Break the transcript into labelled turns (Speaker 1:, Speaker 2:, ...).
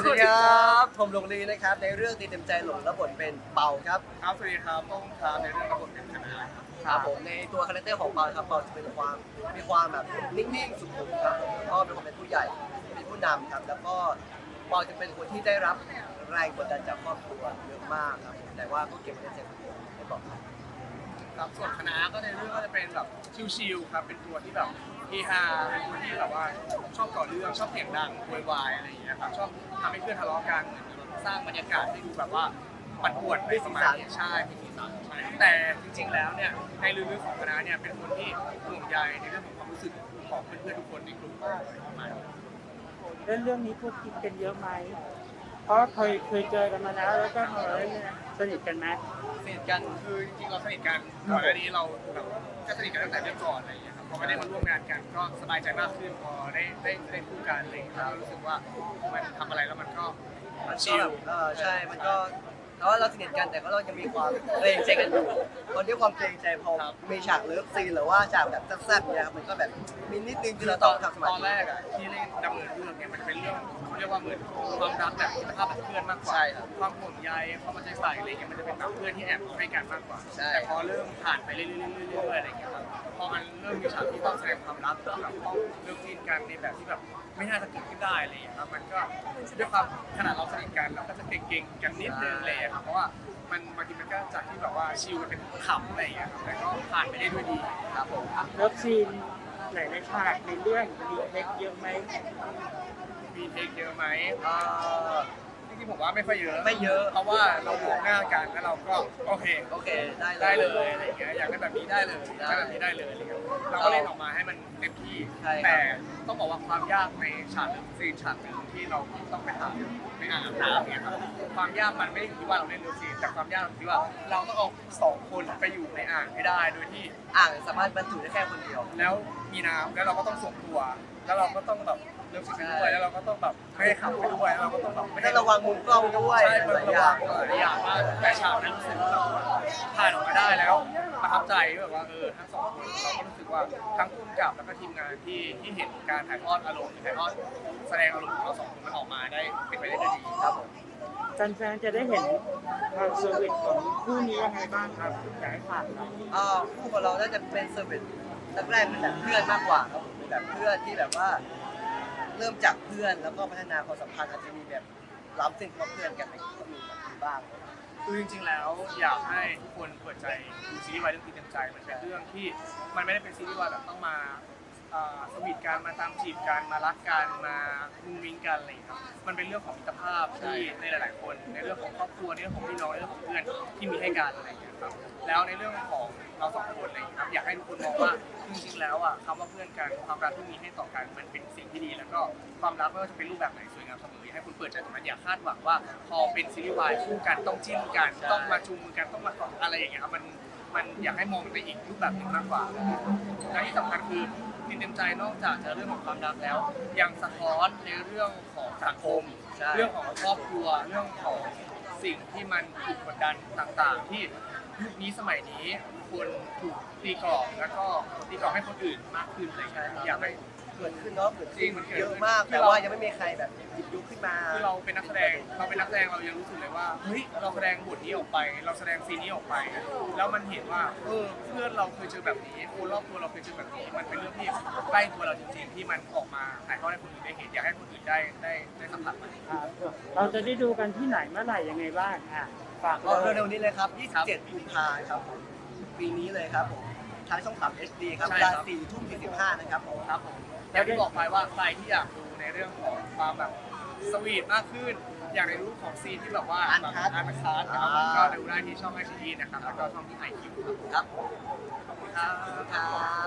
Speaker 1: สวัสดีครับผมหลงลีนะครับในเรื่องตีเต็มใจหลงรับบทเป็นเปาครับ
Speaker 2: ครับสวัสดีครับต้องครับในเรื่องระบบเป็นคณะครับ
Speaker 1: ครับผมในตัวคาแรคเตอร์ของเปาครับเปาจะเป็นความมีความแบบนิ่งๆสุขุมครับผมแล้วก็เป็นคนเป็นผู้ใหญ่เป็นผู้นำครับแล้วก็เปาจะเป็นคนที่ได้รับแรงกดดันจากครอบครัวเยอะมากครับแต่ว่าก็เก็บไว้ในใจคนเดียวไม่บอกครับ
Speaker 2: ครับส่วนคณะก็ในเรื่องก็จะเป็นแบบชิลๆครับเป็นตัวที่แบบเฮฮาเป็นตัวที่แบบว่าชอบก่อเรื่องชอบเสียงดังโวยวายอะไรอย่างเงี้ยครับชอบทำให้เพื่อนทะเลาะกันสร้างบรรยากาศให้ดูแบบว่าปั่นป่วนในประมาณนี้ใช่มีสีสันใช่แต่จริงๆแล้วเนี่ยในลึกๆของคณะเนี่ยเป็นคนที่ห่วงใยในเรื่องของความรู้สึกของเพื่อนๆทุกคนในกลุ่มประมาณนี้
Speaker 3: เรื่องนี้พูดคิดกันเยอะไหม เพราะเคยเจอกันมาแล้วก็มาเล่นเนี่ยสนิทกันไหม
Speaker 2: สนิทกันคือจริงๆเราสนิทกันก่อนหน้านี้เราแบบก็สนิทกันตั้งแต่เรื่องก่อนอะไรอย่างเงี้ยครับพอมาได้มาร่วมงานกันก็สบายใจมากขึ้นพอได้คู่กันอะไรอย่างเงี้ยเรารู้สึกว่ามันทำอะไรแล้วมันก็ชิล
Speaker 1: ใช่มันก็แล้วเราสนิทกันแต่ก็เรายังมีความเกรงใจกันอยู่ตอนที่ความเกรงใจพอมีฉากเลิฟซีนหรือว่าฉากแบบแซ่บๆเนี่ยครับมันก็แบบมีนิดนึงที่เราต้องทำสมา
Speaker 2: ตอน
Speaker 1: ธิ
Speaker 2: แรกอ่ะที่เล่นดำเนินเรื่องเนี่ยมันเป็นเรื่องเขาเรียกว่าเหมือนความรักแบบมิตรภาพแบบเพื่อนมากกว่าความห่วงใยความเอาใจใส่อะไรเงี้ยมันจะเป็นแบบเพื่อนที่แอบให้กันมากกว่าแต่พอเริ่มผ่านไปเรื่อยๆอะไรเงี้ยครับพอมันเริ่มมีฉากที่ต้องแสดงความรักแบบต้องเริ่มจีนกันในแบบที่แบบไม่น่าจะเกิดขึ้นได้อะไรเงี้ยครับมันก็ด้วยความขนาดเราสนิทกันเราก็จะเก่งๆกันนิดนึงเลยครับเพราะว่ามันบางทีมันก็จากที่แบบว่าชิลกันเป็นขำอะไรอย่างเงี้ยครับแต่ก็ผ่านไปได้ด้วยดีครับผม
Speaker 3: เลิฟซีนไหนในฉากในเรื่องมีเทคเยอะไหม
Speaker 2: มีเทคเยอะไหม
Speaker 1: เอ่อ
Speaker 2: จริงๆผมว่าไม่ค่อยเยอะ
Speaker 1: ไม่เยอะ
Speaker 2: เพราะว่าเรามองหน้ากันแล้วเราก็โอเค
Speaker 1: โอเคได้
Speaker 2: ได้เลยอะไรอย่างเงี้ยอยากได้แบบนี้ได้เลย
Speaker 1: ได้
Speaker 2: ได้แบบนี้ได้เลยอะไรเงี้ยเราก็เล่นออกมาให้มันเต็มที่
Speaker 1: ใช่ครับ
Speaker 2: แต่ต้องบอกว่าความยากในฉากหนึ่งซีนฉากหนึ่งที่เราต้องไปถ่ายในอ่างอาบน้ำเนี่ยครับความยากมันไม่ได้อยู่ที่ว่าเราเล่นเลิฟซีนแต่ความยากอยู่ที่ว่าเราต้องเอาสองคนไปอยู่ในอ่างให้ได้โดยที่
Speaker 1: อ่างสามารถบรรจุได้แค่คนเดียว
Speaker 2: แล้วมีน้ำแล้วเราก็ต้องส่งตัว แล้วเราก็ต้องแบบเลือกสิ่งไปด้วยแล้วเราก็ต้องแบบไม่ให้ขับไปด้วยแล้วเราก็ต้องแบบไม่
Speaker 1: ให้
Speaker 2: ให้
Speaker 1: ระวังมุมกล้องด้วย
Speaker 2: ใช่มัน
Speaker 1: หลาย
Speaker 2: ระ
Speaker 1: อ
Speaker 2: วั
Speaker 1: ย่าง ง
Speaker 2: หลายอย่างมากแต่ฉากนั้นรู้สึกว่าเราผ่านออกมาได้แล้วประทับใจแบบว่าทั้งสองคนเราก็รู้สึกว่าทั้งผู้กำกับแล้วก็ทีมงานที่เห็นการถ่ายทอดอารมณ์ถ่ายทอดแสดงอารมณ์ของเราสองคนมันออกมาได้เป็นไปได้ด้วยดีครับผม
Speaker 3: แฟนๆจะได้เห็นความสวีทของคู่นี้ยังไงบ้างครับอยากให้ฝากหน่อย
Speaker 1: คู่ของเราน่าจะเป็นเซอร์วิสแรกๆเป็นแบบเพื่อนมากกว่าครับผมเป็นแบบเพื่อนที่แบบว่าเริ่มจากเพื่อนแล้วก็พัฒนาความสัมพันธ์อาจจะมีแบบล้ำเส้นกับเพื่อนกันอะไรก็มีบ้าง
Speaker 2: คือจริงๆ แล้วอยากให้ทุกคนเปิดใจดูซีรีส์วายเรื่องตีเต็มใจมันเป็นเรื่องที่มันไม่ได้เป็นซีรีส์วายแบบต้องมาสวีทกันมาตามจีบกันมารักกันมามุ้งมิ้งกันอะไรอย่างเงี้ยครับมันเป็นเรื่องของมิตรภาพที่ในหลายๆ คนในเรื่องของครอบครัวในเรื่องของพี่น้องในเรื่องของเพื่อนที่มีให้กันอะไรอย่างเงี้ยครับแล้วในเรื่องของเราสองคนอะไรอย่างเงี้ยครับอยากให้ทุกคนมองว่าจริงๆ แล้วอ่ะคำว่าเพื่อนกันความรักที่มีให้ต่อกันมันเป็นสิ่งที่ดีแล้วก็ความรักไม่ว่าจะเป็นรูปแบบไหนสวยงามเสมออยากให้คุณเปิดใจตรงนั้นอย่าคาดหวังว่าพอเป็นซีรีส์วายคู่กันต้องจิ้นกันต้องมาจูงมือกันต้องมากอดอะไรอย่างเงี้ยครับมันอยากให้มองในอีกรูปแบบหนึ่งมากกว่าและที่สำคัญคือทีมเต็มใจนอกจากจะเรื่องของความรักแล้ว ยังสะท้อนในเรื่องของสังคม เรื่องของครอบครัวเรื่องของสิ่งที่มันถูกกดดันต่างๆ ที่ยุคนี้สมัยนี้คนถูกตีกรอบแล้วก็ตีกรอบให้คนอื่นมากขึ้นอะไรอย่างเงี้ยอยากให้
Speaker 1: เกิดขึ้นเนาะเกิด
Speaker 2: จริ
Speaker 1: ขึ้
Speaker 2: ง
Speaker 1: น
Speaker 2: มันเกิด
Speaker 1: เยอะมาก
Speaker 2: ขึ้น
Speaker 1: แต่ว่ายังไม่มีใครแบบหยิบยกขึ้นมา
Speaker 2: คือเราเป็นนักแสดงเรายังรู้สึกเลยว่าเฮ้ยเราแสดงบทนี้ออกไป เราแสดงซีนนี้ออกไป แล้วมันเห็นว่าเพื่อนเราเคยเจอแบบนี้คนรอบตัวเราเคยเจอแบบนี้มันเป็นเรื่องที่ใกล้ตัวเราจริงๆที่มันออกมาถ่ายทอดให้คนอื่นได้เห็นอยากให้คนอื่นได้สัมผัสมัน
Speaker 3: เราจะได้ดูกันที่ไหนเมื่อไหร่ยังไงบ้างฝาก
Speaker 1: ก็
Speaker 3: เลย
Speaker 1: เร็วๆนี้เลยครับ 27 กุมภาพันธ์ครับผมปีนี้เลยครับผมทางช่อง3 HD ครับเวลา4 ทุ่ม 45นะครับผม
Speaker 2: ครับผมอย่างที่บอกไปว่าใครที่อยากดูในเรื่องของความแบบสวีทมากขึ้น อยากในรูปของซีนที่แบบว่าแบบอาร์ตคาร์ดนะครับก็ดูได้ที่ช่องไอชีนะครับแล้วก็ช่องที่ไอคิวครับ
Speaker 1: ครับ
Speaker 2: ขอบคุณครับ
Speaker 1: ครับ